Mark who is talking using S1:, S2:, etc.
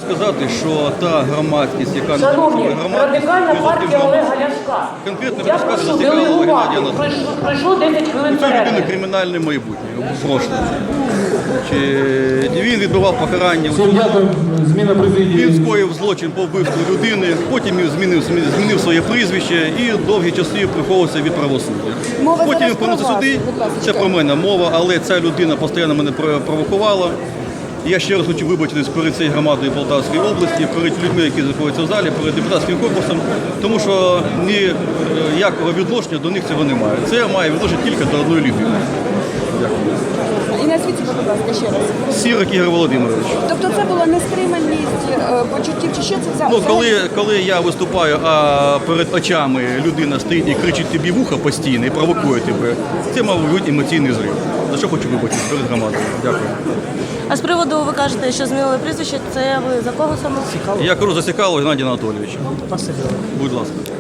S1: сказати, що та громадськість, яка
S2: Шановні,
S1: називається
S2: Радикальна партія Олега Ляшка.
S1: конкретно
S2: Я
S1: розказує,
S2: прошу
S1: зацікавила
S2: делегувати.
S1: Геннадія Анатолійовича.
S2: Пройшло 10 хвилин
S1: Це людина
S2: перерви.
S1: кримінальне майбутнє, прошле. Він відбував покарання.
S3: Всім дякую. Зміна президії.
S1: Він скоїв злочин по вбивству людини, потім він змінив своє прізвище і довгі часи приховувався від правосуддя.
S4: Мова
S1: Потім
S4: зараз
S1: він повернувся
S4: про вас,
S1: сюди,
S4: будь ласка.
S1: це про мене мова, але ця людина постійно мене провокувала. Я ще раз хочу вибачитись перед цією громадою Полтавської області, перед людьми, які знаходяться в залі, перед депутатським корпусом, тому що ніякого відношення до них цього немає. Це має відношення тільки до одної людини.
S4: І назвіть себе, будь ласка, ще раз.
S1: Сірик Ігор Володимирович.
S4: Тобто це була нестриманість почуттів, чи що це за...
S1: Ну, коли я виступаю, а перед очами людина стоїть і кричить тобі в ухо постійно і провокує тебе, це, мабуть, емоційний зрив. За що хочу вибачити перед громадою. Дякую.
S5: А з приводу, ви кажете, що змінили прізвище, це ви за кого саме?
S1: Я кажу, засікало Геннадія Анатолійовича. Будь ласка.